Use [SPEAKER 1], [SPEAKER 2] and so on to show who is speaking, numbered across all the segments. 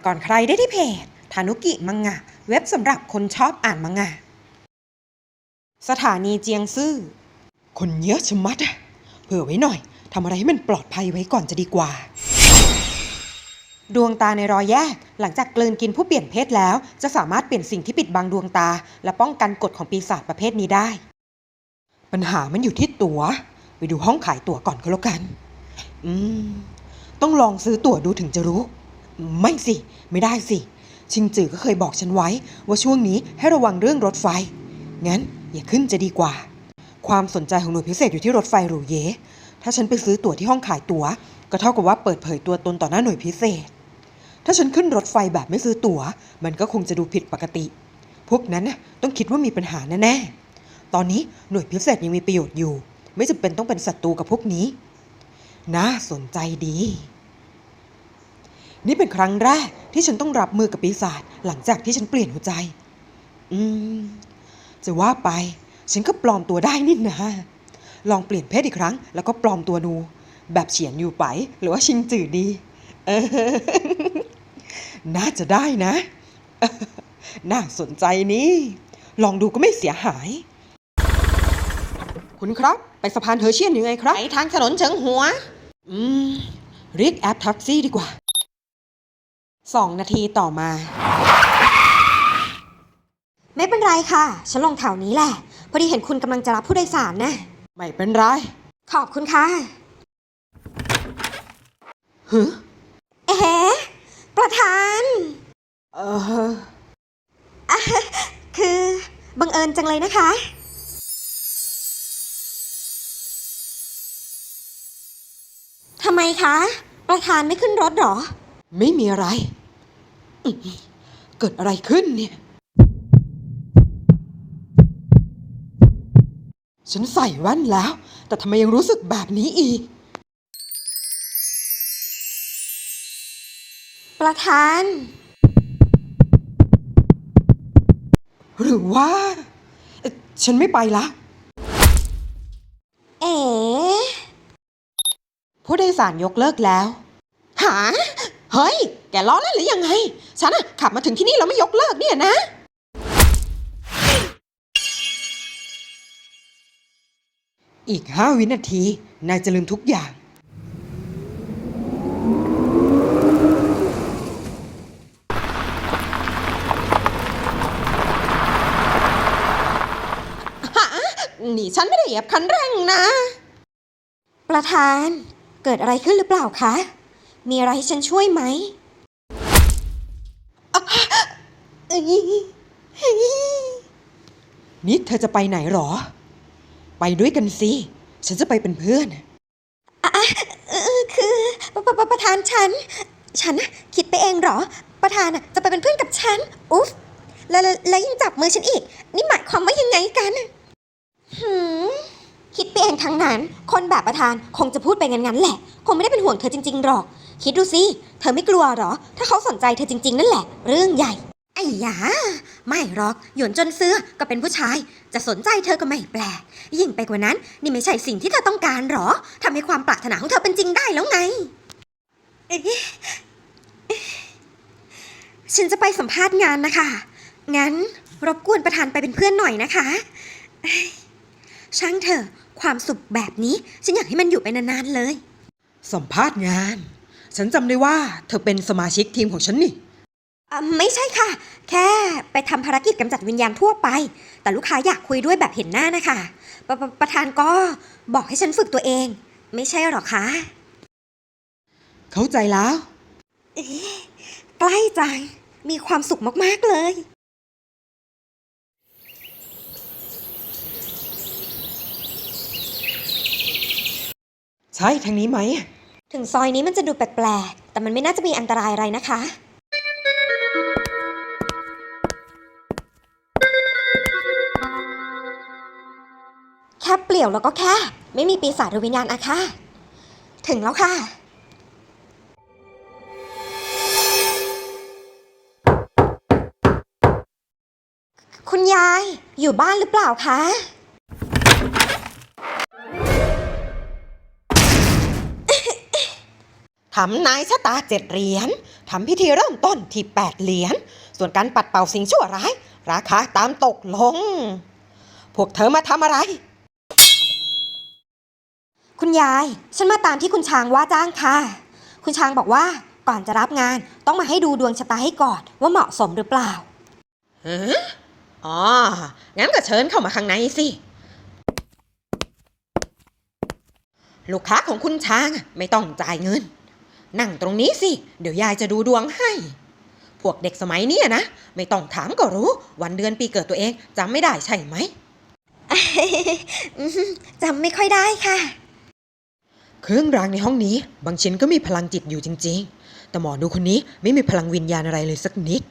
[SPEAKER 1] ก่อนใครได้ที่เพจทานุกิมังงะเว็บสำหรับคนชอบอ่านมังงะสถานีเจียงซื่อคนเยอะชะมัดเผื่อไว้หน่อยทำอะไรให้มันปลอดภัยไว้ก่อนจะดีกว่าดวงตาในรอยแยกหลังจากกลืนกินผู้เปลี่ยนเพศแล้วจะสามารถเปลี่ยนสิ่งที่ปิดบังดวงตาและป้องกันกฎของปีศาจประเภทนี้ได้ปัญหามันอยู่ที่ตั๋วไปดูห้องขายตั๋วก่อนก็แล้วกันต้องลองซื้อตั๋วดูถึงจะรู้ไม่สิไม่ได้สิชิงจือก็เคยบอกฉันไว้ว่าช่วงนี้ให้ระวังเรื่องรถไฟงั้นอย่าขึ้นจะดีกว่าความสนใจของหน่วยพิเศษอยู่ที่รถไฟหรูเย่ถ้าฉันไปซื้อตั๋วที่ห้องขายตั๋วก็เท่ากับว่าเปิดเผยตัวตนต่อหน้าหน่วยพิเศษถ้าฉันขึ้นรถไฟแบบไม่ซื้อตั๋วมันก็คงจะดูผิดปกติพวกนั้นต้องคิดว่ามีปัญหาแน่ๆตอนนี้หน่วยพิเศษยังมีประโยชน์อยู่ไม่จำเป็นต้องเป็นศัตรูกับพวกนี้น่าสนใจดีนี่เป็นครั้งแรกที่ฉันต้องรับมือกับปีศาจหลังจากที่ฉันเปลี่ยนหัวใจจะว่าไปฉันก็ปลอมตัวได้นี่นะลองเปลี่ยนเพศอีกครั้งแล้วก็ปลอมตัวดูแบบเฉียนอยู่ไปหรือว่าชิงจื่อดีน่าจะได้นะน่าสนใจนี่ลองดูก็ไม่เสียหายคุณครับไปสะพานเฮอร์เชียนยังไงครับไปทางถนนเฉิงหัวเรียกแอปแท็กซี่ดีกว่า2 นาทีต่อมา
[SPEAKER 2] ไม่เป็นไรค่ะฉันลงแถวนี้แหละพอดีเห็นคุณกำลังจะรับผู้โดยสารนะ
[SPEAKER 1] ไม่เป็นไร
[SPEAKER 2] ขอบคุณค่ะเอ๊ะประธานคือบังเอิญจังเลยนะคะทำไมคะประธานไม่ขึ้นรถหรอ
[SPEAKER 1] ไม่มีอะไรเกิดอะไรขึ้นเนี่ยฉันใส่แว่นแล้วแต่ทำไมยังรู้สึกแบบนี้อีก
[SPEAKER 2] ประธาน
[SPEAKER 1] หรือว่าฉันไม่ไปละ
[SPEAKER 2] เอ๋
[SPEAKER 1] ผู้โดยสารยกเลิกแล้วหาเฮ้ยแกล้อเล่นหรือยังไงฉันขับมาถึงที่นี่แล้วไม่ยกเลิกเนี่ยนะอีก5 วินาทีนายจะลืมทุกอย่างนี่ฉันไม่ได้เหยียบคันเร่งนะ
[SPEAKER 2] ประธานเกิดอะไรขึ้นหรือเปล่าคะมีอะไรให้ฉันช่วยไหม
[SPEAKER 1] นี่เธอจะไปไหนหรอไปด้วยกันสิฉันจะไปเป็นเพื่อน
[SPEAKER 2] คือประธานฉันคิดไปเองหรอประธานจะไปเป็นเพื่อนกับฉันอุ๊ฟแล้วยังจับมือฉันอีกนี่หมายความว่ายังไงกันคิดไปเองทั้งนั้นคนแบบประธานคงจะพูดไปงั้นแหละคงไม่ได้เป็นห่วงเธอจริงๆหรอกคิดดูสิเธอไม่กลัวหรอถ้าเขาสนใจเธอจริงๆนั่นแหละเรื่องใหญ่ไอ้ยาไม่หรอกหยวนจนเสื้อก็เป็นผู้ชายจะสนใจเธอก็ไม่แปลกยิ่งไปกว่านั้นนี่ไม่ใช่สิ่งที่เธอต้องการหรอทำให้ความปรารถนาของเธอเป็นจริงได้แล้วไงฉันจะไปสัมภาษณ์งานนะคะงั้นรบกวนประธานไปเป็นเพื่อนหน่อยนะคะช่างเถอะความสุขแบบนี้ฉันอยากให้มันอยู่ไปนานๆเลย
[SPEAKER 1] สัมภาษณ์งานฉันจำได้ว่าเธอเป็นสมาชิกทีมของฉันนี่
[SPEAKER 2] ไม่ใช่ค่ะแค่ไปทำภารกิจกำจัดวิญญาณทั่วไปแต่ลูกค้าอยากคุยด้วยแบบเห็นหน้านะคะประธานก็บอกให้ฉันฝึกตัวเองไม่ใช่หรอคะ
[SPEAKER 1] เข้าใจแล้ว
[SPEAKER 2] ใกล้จังมีความสุขมากๆเลย
[SPEAKER 1] ใช่ทางนี้ไหม
[SPEAKER 2] ถึงซอยนี้มันจะดูแปลกๆแต่มันไม่น่าจะมีอันตรายอะไรนะคะแค่เปลี่ยวแล้วก็แค่ไม่มีปีศาจหรือวิญญาณอาฆาตถึงแล้วค่ะคุณยายอยู่บ้านหรือเปล่าคะ
[SPEAKER 1] ททำนายชะตา7 เหรียญทำพิธีเริ่มต้นที่8 เหรียญส่วนการปัดเป่าสิ่งชั่วร้ายราคาตามตกลง พวกเธอมาทำอะไร
[SPEAKER 2] คุณยาย ฉันมาตามที่คุณช้างว่าจ้างค่ะ คุณช้างบอกว่าก่อนจะรับงานต้องมาให้ดูดวงชะตาให้ก่อนว่าเหมาะสมหรือเปล่า
[SPEAKER 1] อ๋อ งั้นก็เชิญเข้ามาข้างในสิ ลูกค้าของคุณช้างไม่ต้องจ่ายเงิน นั่งตรงนี้สิ เดี๋ยวยายจะดูดวงให้ พวกเด็กสมัยนี้นะ ไม่ต้องถามก็รู้วันเดือนปีเกิดตัวเองจำไม่ได้ใช่ไหม
[SPEAKER 2] จำไม่ค่อยได้ค่ะ
[SPEAKER 1] เครื่องรางในห้องนี้บางชิ้นก็มีพลังจิตอยู่จริงๆ แต่หมอดูคนนี้ไม่มีพลังวิญญาณอะไรเลยสักนิด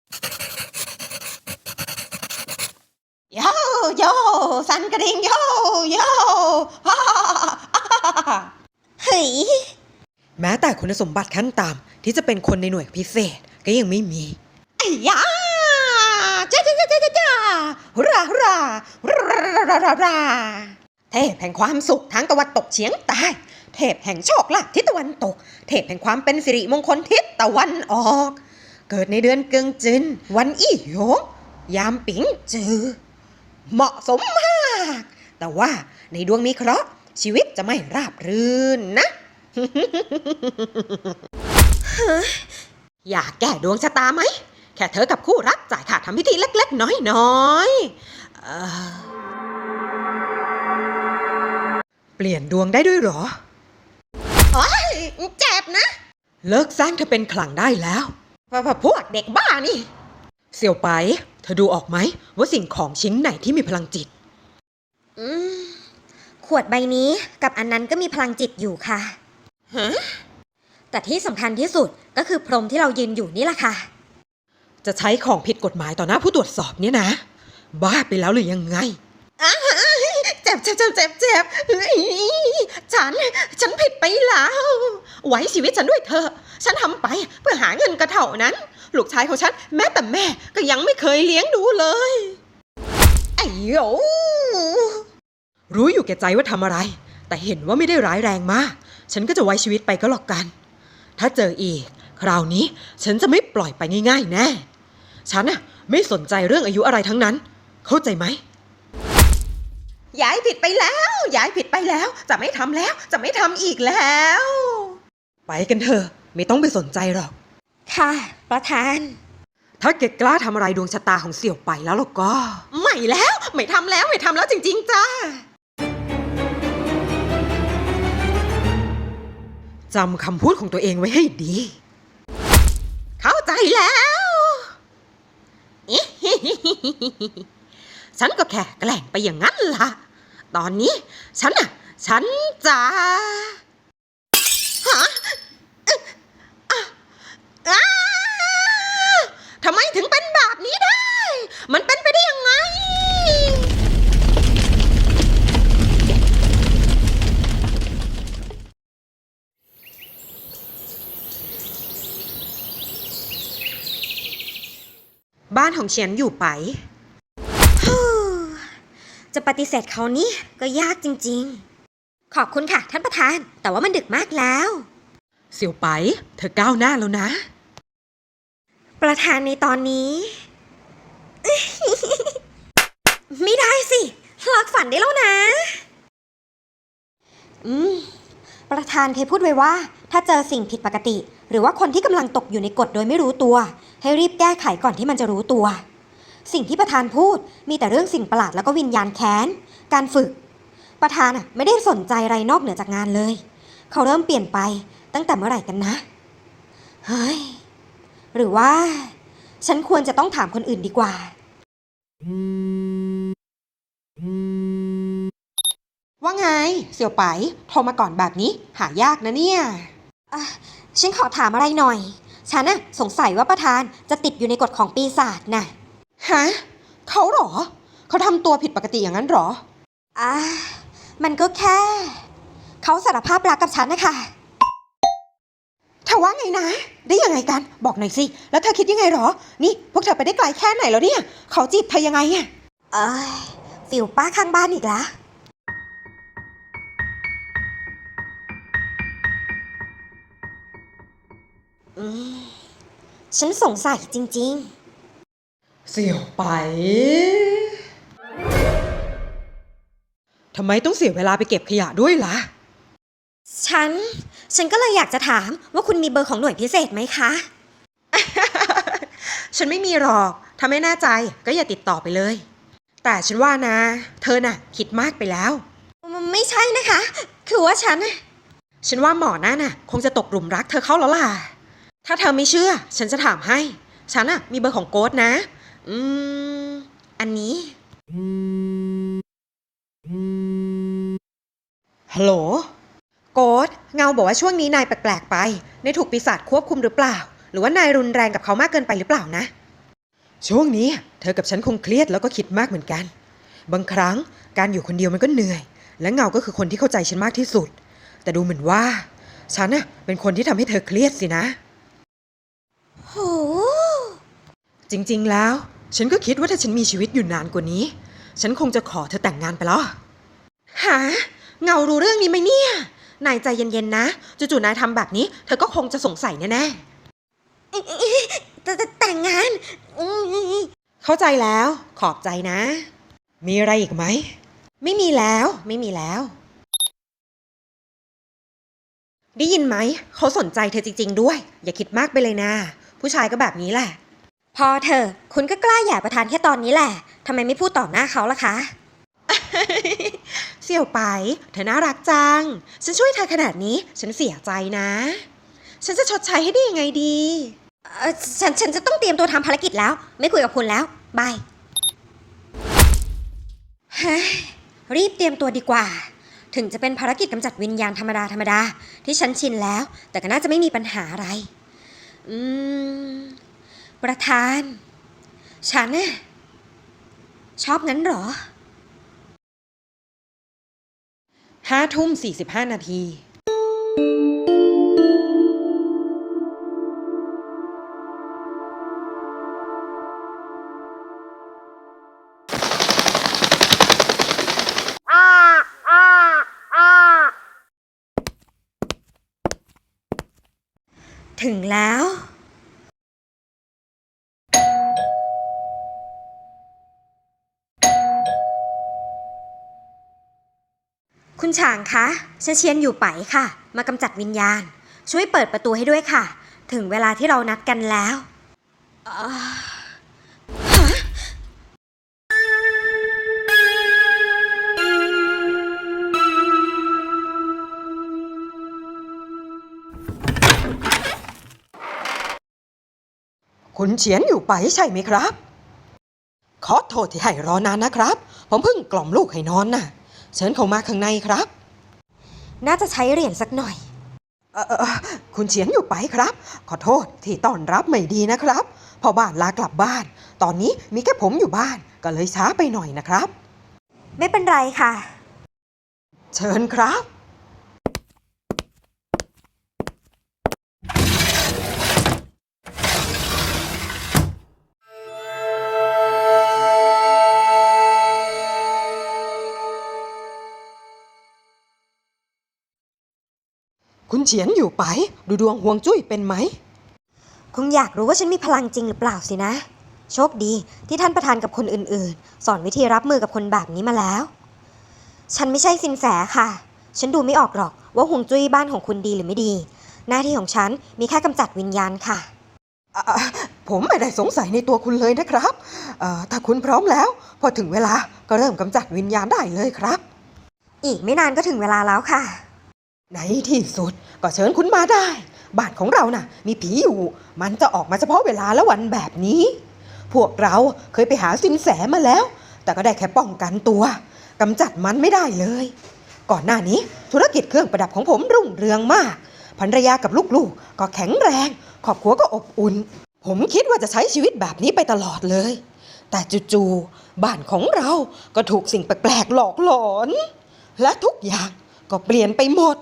[SPEAKER 1] โยโยสันกระดิ่งโยโยฮ่าฮ่า
[SPEAKER 2] เฮ้ย
[SPEAKER 1] แม้แต่คุณสมบัติขั้นต่ำที่จะเป็นคนในหน่วยพิเศษก็ยังไม่มีไอ้ยาจ้าจ้าจ้าจ้าจ้าฮุราฮุราราเทพแห่งความสุขทางตะวันตกเฉียงใต้เทพแห่งโชคลาภทิศตะวันตกเทพแห่งความเป็นสิริมงคลทิศตะวันออก เกิดในเดือนเกิงจินวันอี้หยงยามปิงจือเหมาะสมมากแต่ว่าในดวงมีเคราะห์ชีวิตจะไม่ราบรื่นนะ อยากแก้ดวงชะตาไหมแค่เธอกับคู่รักจ่ายค่าทำพิธีเล็กๆน้อยๆเปลี่ยนดวงได้ด้วยเหรอโอ๊ยเจ็บนะเลิกสร้างเธอเป็นขลังได้แล้วพวกเด็กบ้านี่เสี่ยวไปเธอดูออกไหมว่าสิ่งของชิ้นไหนที่มีพลังจิต
[SPEAKER 2] ขวดใบนี้กับอันนั้นก็มีพลังจิตอยู่ค่ะ
[SPEAKER 1] ฮะ
[SPEAKER 2] แต่ที่สำคัญที่สุดก็คือพรหมที่เรายืนอยู่นี่แหละค่ะ
[SPEAKER 1] จะใช้ของผิดกฎหมายต่อหน้าผู้ตรวจสอบเนี่ยนะบ้าไปแล้วหรือยังไงเจ็บฉันผิดไปแล้วไว้ชีวิตฉันด้วยเถอะฉันทำไปเพื่อหาเงินกระเท่านั้นลูกชายของฉันแม้แต่แม่ก็ยังไม่เคยเลี้ยงดูเลยไอ้โยรู้อยู่แก่ใจว่าทำอะไรแต่เห็นว่าไม่ได้ร้ายแรงมากฉันก็จะไว้ชีวิตไปก็หรอกกันถ้าเจออีกคราวนี้ฉันจะไม่ปล่อยไปง่ายๆแน่ฉันน่ะไม่สนใจเรื่องอายุอะไรทั้งนั้นเข้าใจไหมย้ายผิดไปแล้วจะไม่ทำแล้วจะไม่ทำอีกแล้วไปกันเถอะไม่ต้องไปสนใจหรอก
[SPEAKER 2] ค่ะ ประธาน
[SPEAKER 1] ถ้าแกกล้าทำอะไรดวงชะตาของเสี่ยวไปแล้วล่ะก็ไม่ทำแล้วจริงๆจ้าจำคำพูดของตัวเองไว้ให้ดี เข้าใจแล้ว ฉันก็แค่แกล้งไปอย่างนั้นล่ะ ตอนนี้ฉันจะฮะทำไมถึงเป็นแบบนี้ได้ มันเป็นไปได้ยังไง บ้านของเฉียนอยู่ไป
[SPEAKER 2] จะปฏิเสธเขานี่ก็ยากจริงๆ ขอบคุณค่ะท่านประธาน แต่ว่ามันดึกมากแล้ว
[SPEAKER 1] เสี่ยวไปเธอก้าวหน้าแล้วนะ
[SPEAKER 2] ประธานในตอนนี้ ไม่ได้สิเลิกฝันได้แล้วนะ ประธานเคยพูดไว้ว่า ถ้าเจอสิ่งผิดปกติ หรือว่าคนที่กำลังตกอยู่ในกฎโดยไม่รู้ตัว ให้รีบแก้ไขก่อนที่มันจะรู้ตัว สิ่งที่ประธานพูดมีแต่เรื่องสิ่งประหลาดแล้วก็วิญญาณแค้น การฝึก ประธานไม่ได้สนใจอะไรนอกเหนือจากงานเลย เขาเริ่มเปลี่ยนไปตั้งแต่เมื่อไหร่กันนะ เฮ้ย หรือว่า ฉันควรจะต้องถามคนอื่นดีกว่า
[SPEAKER 1] ว่าไงเสี่ยวไปโทรมาก่อนแบบนี้หายากนะเนี่ย
[SPEAKER 2] ฉันขอถามอะไรหน่อย ฉันสงสัยว่าประธานจะติดอยู่ในกฎของปีศาจน่ะ
[SPEAKER 1] ฮะเขาเหรอเขาทำตัวผิดปกติอย่างนั้นเหรอ
[SPEAKER 2] มันก็แค่ เขาสารภาพรักกับฉันนะคะ
[SPEAKER 1] เธอว่าไงนะ ได้ยังไงกันบอกหน่อยสิแล้วเธอคิดยังไงเหรอนี่พวกเธอไปได้ไกลแค่ไหนแล้วเนี่ยเขาจีบเธอยังไงอะ
[SPEAKER 2] ฟิวป้าข้างบ้านอีกแล้วมฉันสงสัยจริง
[SPEAKER 1] เสี่ยวไปทำไมต้องเสียเวลาไปเก็บขยะด้วยล่ะ
[SPEAKER 2] ๆ ฉันก็เลยอยากจะถามว่าคุณมีเบอร์ของหน่วยพิเศษไหมคะ
[SPEAKER 1] ฉันไม่มีหรอก ถ้าไม่แน่ใจก็อย่าติดต่อไปเลย แต่ฉันว่านะ เธอน่ะคิดมากไปแล้ว
[SPEAKER 2] ไม่ใช่นะคะ คือว่า
[SPEAKER 1] ฉันว่าหมอนั่นน่ะคงจะตกหลุมรักเธอเข้าแล้วล่ะ ถ้าเธอไม่เชื่อ ฉันจะถามให้ ฉันน่ะมีเบอร์ของโกดนะ
[SPEAKER 2] อันนี้
[SPEAKER 1] ฮัลโหล โกดเงาบอกว่าช่วงนี้นายแปลกๆไปนายถูกปีศาจควบคุมหรือเปล่า หรือว่านายรุนแรงกับเขามากเกินไปหรือเปล่านะ ช่วงนี้เธอกับฉันคงเครียดแล้วก็คิดมากเหมือนกัน บางครั้งการอยู่คนเดียวมันก็เหนื่อย และเงาก็คือคนที่เข้าใจฉันมากที่สุด แต่ดูเหมือนว่าฉันน่ะเป็นคนที่ทำให้เธอเครียดสินะ
[SPEAKER 2] โห
[SPEAKER 1] จริงๆแล้วฉันก็คิดว่าถ้าฉันมีชีวิตอยู่นานกว่านี้ฉันคงจะขอเธอแต่งงานไปแล้วหาเงารู้เรื่องนี้ไหมเนี่ยนายใจเย็นๆนะจู่ๆนายทำแบบนี้เธอก็คงจะสงสัยแน่
[SPEAKER 2] แต่งงาน
[SPEAKER 1] ๆเข้าใจแล้วขอบใจนะ มีอะไรอีกไหมไม่มีแล้วได้ยินไหมเขาสนใจเธอจริงๆด้วยอย่าคิดมากไปเลยนะผู้ชายก็แบบนี้แหละ
[SPEAKER 2] พอเธอคุณก็กล้าหย่าประธานแค่ตอนนี้แหละทำไมไม่พูดต่อหน้าเขาล่ะคะ
[SPEAKER 1] เสี่ยวไปเธอน่ารักจังฉันช่วยเธอขนาดนี้ฉันเสียใจนะ ฉันจะชดใช้ให้ได้ยังไงดี
[SPEAKER 2] ฉันจะต้องเตรียมตัวทำภารกิจแล้ว ไม่คุยกับคุณแล้ว บายเฮ้ยรีบเตรียมตัวดีกว่า ถึงจะเป็นภารกิจกำจัดวิญญาณธรรมดาที่ฉันชินแล้ว แต่ก็น่าจะไม่มีปัญหาอะไร ประธาน ฉันน่ะชอบงั้นเหรอ
[SPEAKER 1] 5:45 นาที
[SPEAKER 2] ถึงแล้ว คุณฉางคะฉันเชียนอยู่ไปค่ะ มากำจัดวิญญาณ ช่วยเปิดประตูให้ด้วยค่ะ ถึงเวลาที่เรานัดกันแล้วฮะ
[SPEAKER 1] คุณเฉียนอยู่ไปใช่ไหมครับขอโทษที่ให้รอนานนะครับผมเพิ่งกล่อมลูกให้นอนน่ะเชิญเข้ามาข้างในครับ
[SPEAKER 2] น่าจะใช้เหรียญสักหน่อย
[SPEAKER 1] คุณเฉียนอยู่ไปครับขอโทษที่ต้อนรับไม่ดีนะครับพ่อบ้านลากลับบ้านตอนนี้มีแค่ผมอยู่บ้านก็เลยช้าไปหน่อยนะครับ
[SPEAKER 2] ไม่เป็นไรค่ะ
[SPEAKER 1] เชิญครับคุณเฉียนอยู่ไปดูดวงฮวงจุ้ยเป็นไหม
[SPEAKER 2] คงอยากรู้ว่าฉันมีพลังจริงหรือเปล่าสินะ โชคดีที่ท่านประธานกับคนอื่นๆ สอนวิธีรับมือกับคนแบบนี้มาแล้ว ฉันไม่ใช่สินแสค่ะ ฉันดูไม่ออกหรอกว่าฮวงจุ้ยบ้านของคุณดีหรือไม่ดี หน้าที่ของฉันมีแค่กำจัดวิญญาณค่ะ
[SPEAKER 1] ผมไม่ได้สงสัยในตัวคุณเลยนะครับถ้าคุณพร้อมแล้วพอถึงเวลาก็เริ่มกำจัดวิญญาณได้เลยครับ
[SPEAKER 2] อีกไม่นานก็ถึงเวลาแล้วค่ะ
[SPEAKER 1] ในที่สุดก็เชิญคุณมาได้บ้านของเราน่ะมีผีอยู่มันจะออกมาเฉพาะเวลาและวันแบบนี้พวกเราเคยไปหาสินแสมาแล้วแต่ก็ได้แค่ป้องกันตัวกำจัดมันไม่ได้เลยก่อนหน้านี้ธุรกิจเครื่องประดับของผมรุ่งเรืองมากภรรยากับลูกๆก็แข็งแรงครอบครัวก็อบอุ่นผมคิดว่าจะใช้ชีวิตแบบนี้ไปตลอดเลยแต่จู่ๆบ้านของเราก็ถูกสิ่งแปลกๆหลอกหลอนและทุกอย่างก็เปลี่ยนไปหมด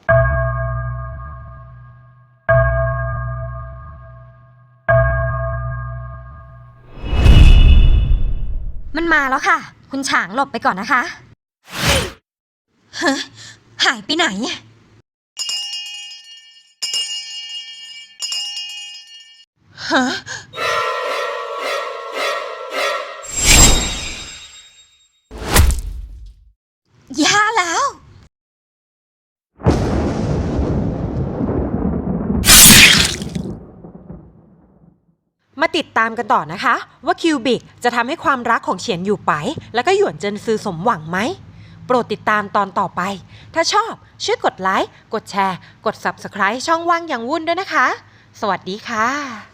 [SPEAKER 2] มันมาแล้วค่ะ คุณฉางหลบไปก่อนนะคะฮะหายไปไหน
[SPEAKER 1] ฮะ
[SPEAKER 2] ย่าแล้ว
[SPEAKER 1] มาติดตามกันต่อนะคะว่าคิวบิกจะทำให้ความรักของเฉียนอยู่ไปแล้วก็หยวนเจินซือสมหวังไหมโปรดติดตามตอนต่อไปถ้าชอบช่วยกดไลค์กดแชร์กด Subscribe ช่องว่างอย่างวุ่นด้วยนะคะสวัสดีค่ะ